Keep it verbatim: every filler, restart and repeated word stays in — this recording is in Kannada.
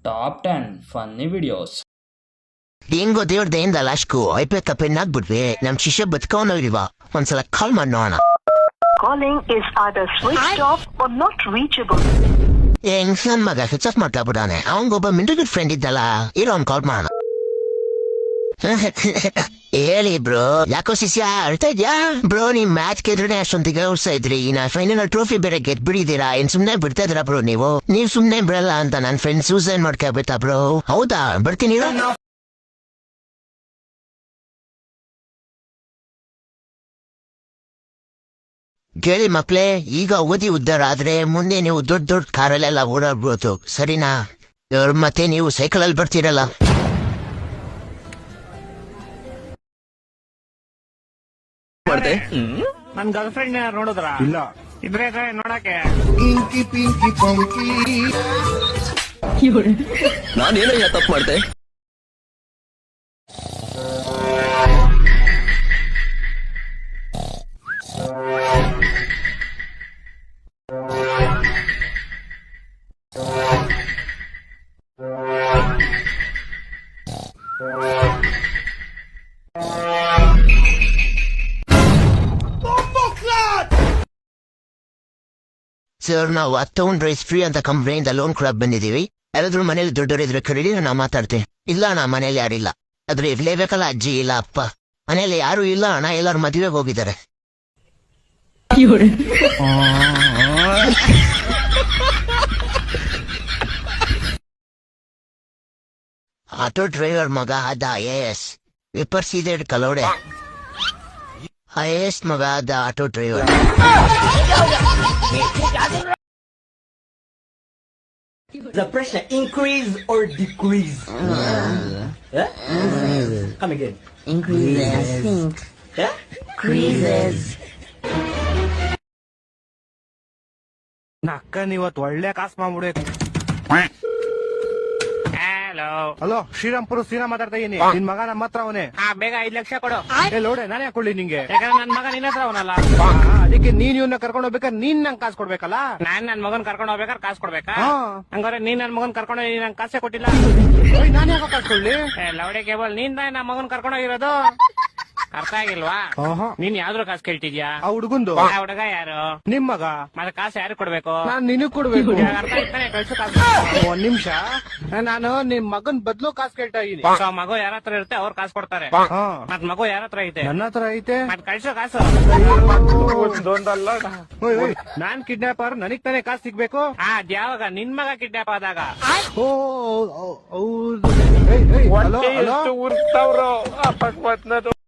Top ten funny videos. ಹೆಂಗೋ ದೇವ್ರ ದಯಿಂದ ಲಾಸ್ಟ್ಗೂ ಐಪೆತ್ತ ಪೆನ್ ಆಗ್ಬಿಟ್ವಿ ನಮ್ ಶಿಷ್ಯ ಬದುಕೋನವ್ರಿವ ಒಂದ್ಸಲ ಕಾಲ್ ಮಾಡಿ ನೋಡೋಣ. Calling is either switched off or not reachable. ಹೆಂಗ್ ನನ್ ಮಗ ಸ್ವಿಚ್ ಆಫ್ ಮಾಡ್ಕೊಬಿಡಾನೆ. ಅವಂಗೊಬ್ಬ ಮಿಂಟರ್ ಫ್ರೆಂಡ್ ಇದ್ದಲ್ಲ, ಇರೋ ಅವ್ನ್ ಕಾಲ್ ಮಾಡೋಣ. ಹೇಳಿ ಬ್ರೋ, ಯಾಕೋ ಶಿಷ್ಯ ಅಳ್ತಾ ಇದ್ಯಾ? ಬ್ರೋ ನಿಮ್ ಮ್ಯಾಚ್ ಗೆದ್ರೆ ಅಷ್ಟೊಂದಿಗೆ ಉತ್ಸಾಹ ಇದ್ರಿ, ನಾ ಫೈನಲ್ ಟ್ರೋಫಿ ಬೇರೆ ಗೆದ್ ಬಿಡಿದೀರಾ, ಏನ್ ಸುಮ್ನೆ ಬಿಡ್ತಾ ಇದ್ರ ಬ್ರೋ ನೀವು? ನೀವ್ ಸುಮ್ನೆ ಬಿಡಲ್ಲ ಅಂತ ನನ್ ಫ್ರೆಂಡ್ ಸೂಸೈಡ್ ಮಾಡ್ಕೊಬಿಟ್ಟ ಬ್ರೋ. ಹೌದಾ, ಬರ್ತೀನಿ. ಕೇಳಿ ಮಕ್ಳೇ, ಈಗ ಓದಿ ಉದ್ದಾರ ಆದ್ರೆ ಮುಂದೆ ನೀವು ದೊಡ್ಡ ದೊಡ್ಡ ಕಾರಲ್ಲೆಲ್ಲ ಓಡಾಡ್ಬೋದು, ಸರಿನಾ? ಮತ್ತೆ ನೀವು ಸೈಕಲ್ ಅಲ್ಲಿ ಬರ್ತೀರಲ್ಲ. ನನ್ ಗರ್ಲ್ ಫ್ರೆಂಡ್ ನೋಡಿದ್ರ? ಇಲ್ಲ. ಇದ್ರೆ ನೋಡಕ್ಕೆ ನಾನೇನಯ್ಯ ತಪ್ಪು ಮಾಡ್ದೆ? ಸರ್, ನಾವು ಹತ್ತೊಂದು ರೈಸ್ ಫ್ರೀ ಅಂತ ಕಂಪ್ನಿಯಿಂದ ಲೋನ್ ಕೂಡ ಬಂದಿದೀವಿ. ಯಾರಾದ್ರೂ ಮನೇಲಿ ದೊಡ್ಡವರಿದ್ರೆ ಕರೀರಿ, ನಾ ಮಾತಾಡ್ತೀನಿ. ಇಲ್ಲ, ನಾ ಮನೇಲಿ ಯಾರಿಲ್ಲ. ಆದ್ರೆ ಇರ್ಲೇಬೇಕಲ್ಲ, ಅಜ್ಜಿ ಇಲ್ಲ ಅಪ್ಪ. ಮನೇಲಿ ಯಾರು ಇಲ್ಲ ಅಣ್ಣ, ಎಲ್ಲಾರು ಮದುವೆಗೆ ಹೋಗಿದ್ದಾರೆ. ಆಟೋ ಡ್ರೈವರ್ ಮಗ ಅದ ಐ ಎ ಎಸ್ ವಿಪರ್ಸಿದೆ ಕಲೋಡೆ. ಐ ಎ ಎಸ್ ಮಗ ಅದ auto driver. The pressure increase or decrease? Yeah? Come again. Increases. I think. Yeah? Increases. ನಕ್ಕನ್ ಇವತ್ತು ಒಳ್ಳೆ ಕಾಸು ಮಾಡ್ಬಿಡ್ಬೇಕು. ಹಲೋ ಹಲೋ, ಶ್ರೀರಾಮ್ಪುರ ಶ್ರೀರಾಮ್ ಮಾತಾಡ್ತಾ ಇದೀನಿ. ನಿನ್ ಮಗ ನಮ್ಮ ಹತ್ರ ಅವನೇ. ಬೇಗ ಐದ್ ಲಕ್ಷ ಕೊಡು. ಲೋಡೆ ನಾನೇ ಹಾಕೊಳ್ಳಿ ನಿಂಗೆ, ಯಾಕಂದ್ರೆ ನನ್ ಮಗ ನಿನ್ನ ಹತ್ರ ಅವನಲ್ಲ. ಅದಕ್ಕೆ ನೀನ್ ಇವನ್ನ ಕರ್ಕೊಂಡು ಹೋಗ್ಬೇಕಾದ್ರೆ ನೀನ್ ನಂಗೆ ಕಾಸು ಕೊಡ್ಬೇಕಲ್ಲ. ನಾನ್ ನನ್ ಮಗನ್ ಕರ್ಕೊಂಡು ಹೋಗ್ಬೇಕಾದ್ರೆ ಕಾಸು ಕೊಡ್ಬೇಕಾ? ಹಂಗಾರೆ ನೀನ್ ನನ್ ಮಗನ್ ಕರ್ಕೊಂಡು ಹೋಗಿ ನಂಗೆ ಕಾಸೇ ಕೊಟ್ಟಿಲ್ಲ. ನಾನು ಯಾಕೆ ಕಾಸು ಕೊಡ್ಲಿ? ಲೌಡೆ ಕೇಬಲ್, ನೀನ್ ನನ್ನ ಮಗನ್ ಕರ್ಕೊಂಡು ಹೋಗಿರೋದು. ಅರ್ಥ ಆಗಿಲ್ವಾ? ನೀನ್ ಯಾವ್ದ್ರ ಕಾಸು ಕೇಳ್ತಿದ್ಯಾ? ಆ ಹುಡುಗಂದು. ಆ ಹುಡುಗ ಯಾರು? ನಿಮ್ ಮಗ. ಮತ್ತೆ ಕಾಸು ಯಾರು ಕೊಡ್ಬೇಕು? ನಾನ್ ನಿನಗ್ ಕೊಡ್ಬೇಕು. ಅರ್ಥ ಆಯ್ತಾನೆ, ಕಳ್ಸು ಕಾಸು. ಒಂದ್ ನಿಮಿಷ, ನಾನು ನಿಮ್ ಮಗನ್ ಬದ್ಲು ಕಾಸು ಕೇಳ್ತಾ ಇದೀನಿ. ಮಗು ಯಾರ ಹತ್ರ ಇರುತ್ತೆ ಅವ್ರು ಕಾಸು ಕೊಡ್ತಾರೆ. ಮತ್ ಮಗು ಯಾರ ಹತ್ರ ಐತೆ? ನನ್ನ ಹತ್ರ ಐತೆ. ಮತ್ ಕಳ್ಸೋ ಕಾಸು. ನಾನ್ ಕಿಡ್ನಾಪರ್, ನನಗ್ ತಾನೇ ಕಾಸು ಸಿಗ್ಬೇಕು. ಅದ್ಯಾವಾಗ? ನಿನ್ ಮಗ ಕಿಡ್ನಾಪ್ ಆದಾಗ. ಓ ಹೌದು.